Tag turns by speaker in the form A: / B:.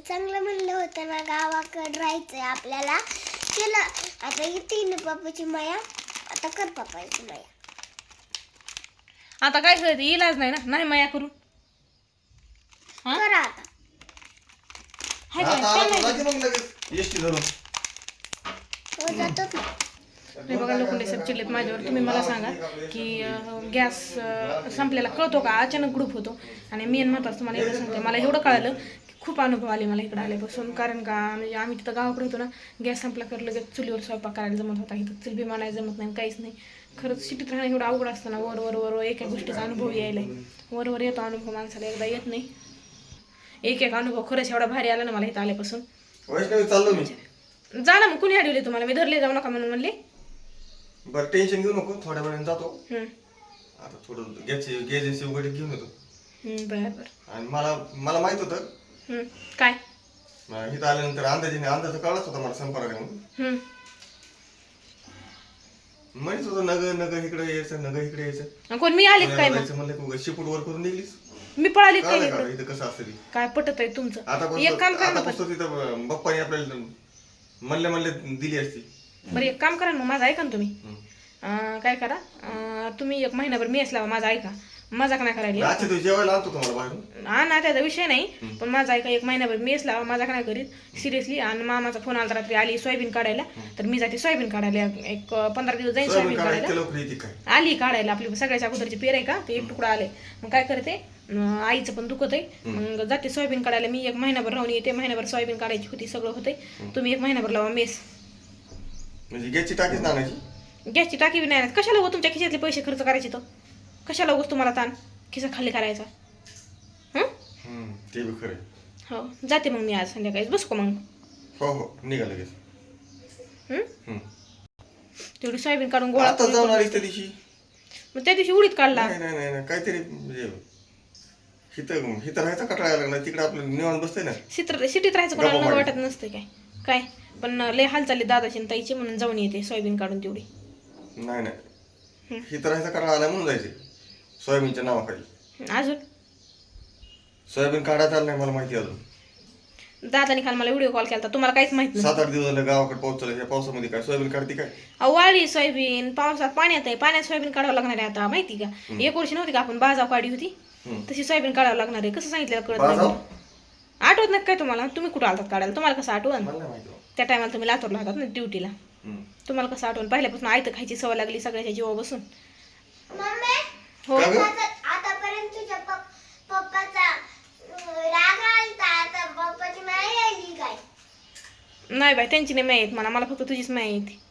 A: चांगलं म्हणलं होतं ना गावाकडे राहायचंय आपल्याला. केलं आता येते पप्पाची माया, आता कर पप्पाची माया.
B: आता काय करायचं, इलाज नाही ना, नाही माया करू.
A: करा आता.
B: हाय काय? काय नाही.
A: हो जातोच ना.
B: हे बघा लोखंडे साहेब चिडलेत माझ्यावर. तुम्ही मला सांगा की गॅस संपलेला कळतो का, अचानक ग्रुप होतो. आणि मी महत्वाचं तुम्हाला एवढं सांगते, मला एवढं कळालं की खूप अनुभव आले मला इकडे आल्यापासून. कारण का म्हणजे आम्ही तिथं गावाकडे होतो ना, गॅस संपला कर लगेच चुलीवर स्वयंपाक करायला जमत होता. इथं चुल बी मानायला जमत नाही, काहीच नाही. खरंच सिटीत राहणं एवढं अवघड असतं ना. वर वर वर एका गोष्टीचा अनुभव यायला वर वर येतो अनुभव, माणसाला एकदा येत नाही. एक एक अनुभव खरंच एवढा भारी आला ना मला इथं आल्यापासून.
C: चाललो मी.
B: जा ना मग, कुणी अडवले तुम्हाला? मी धरले जाऊ नका म्हणून म्हणले.
C: बरं टेन्शन घेऊ नको, थोड्या वेळाने जातो.
B: हम्म.
C: आता थोडं गॅस वगैरे घेऊन येतो.
B: बरं बरं.
C: आणि मला माहित होतं
B: काय
C: इथं आल्यानंतर अंदाज कळलाच होता मला संपर्क म्हणून. म्हणत होतं नग इकडे यायचं.
B: कोण मी आले काय मग?
C: म्हणलं शिपूट वर करून दिलीस.
B: मी पळाले काय
C: इथं कसं असतं
B: काय पटत आहे तुमचं? एक काम करा ना.
C: आता तिथं बाप्पाने आपल्याला म्हणले दिली असती.
B: बरं एक काम करा ना, माझं ऐका ना तुम्ही. काय करा, तुम्ही एक महिनाभर मेस लावा. माझा ऐका, मजाक नाही करायला.
C: अच्छा तू जेवायला आणतो तुम्हाला बाहेरून.
B: हा ना, त्याचा विषय नाही, पण माझा ऐका, एक महिनाभर मेस लावा. मजाक नाही करीत सिरियसली. आणि मामाचा फोन आला रात्री, आली सोयाबीन काढायला. तर मी जाते सोयाबीन काढायला. एक 15 दिवस जाईन सोयाबीन काढायला. आली काढायला, आपली सगळ्याच्या अगोदरची पेर आहे का, ते एक तुकडा आले. मग काय करते, आईचं पण दुखत आहे. मग जाते सोयाबीन काढायला. मी एक महिनाभर राहून येते. महिनाभर सोयाबीन काढायची होती, सगळं होते. तुम्ही एक महिनाभर लावा मेस.
C: म्हणजे गॅसची टाकीच ना आणायची.
B: गॅसची टाकी बी नाही. कशाला हो तुमच्या खिशातले पैसे खर्च करायचे? तर कशाला उगस तुम्हाला ताण खिसा खाली करायचा?
C: ते बी खरं.
B: हो जाते मग मी आज संध्याकाळीच. बसू का मग?
C: हो निघा लगेच.
B: तेवढी सोयाबीन काढून गोळा
C: आता जाऊन आलीस त्या दिवशी.
B: मग त्या दिवशी उडीत काढला.
C: नाही काहीतरी म्हणजे हिथं राहायचा कटाळा लागला. तिकडे आपलं निवांत बसतंय ना.
B: सिटीत राहायचं कोणाला न वाटत नसतं काय. पण लय हाल चालली दादाची ताईची, म्हणून जाऊन येते सोयाबीन काढून तेवढी.
C: नाही हिथं राहायचा कटाळा आला म्हणून जायचे सोयाबीनच्या नावाखाली.
B: अजून
C: सोयाबीन काढायचं आलं नाही मला माहिती. अजून
B: दादाने काल मला व्हिडिओ कॉल केला, तुम्हाला काहीच माहित नाही.
C: 7-8 दिवस झाले गावाकडे पाऊस चालू. या पावसामध्ये काय सोयाबीन काढते काय?
B: वाळली सोयाबीन, पावसात पाण्यात आहे. पाण्यात सोयाबीन काढावं लागणार आहे आता, माहिती का? एक वर्षी नव्हती का आपण बाजाव काढली होती, तशी सोयाबीन काढावं लागणार आहे. कसं सांगितलं कळत नाही. आठवत नाही काय तुम्हाला? तुम्ही कुठं आलतात काढायला? तुम्हाला कसं आठवण? त्या टायमाला तुम्ही लातूरला होतात ना ड्युटीला. तुम्हाला कसं आठवण? पहिल्यापासून आयतं खायची सवय लागली सगळ्याच्या जीवा बसून. हो
A: आतापर्यंत तुझ्या पप्पाचा राग आलता, आता पप्पाची माया आली काय?
B: नाही बाई, त्यांची नाही माहीत मला फक्त तुझीच माहिती.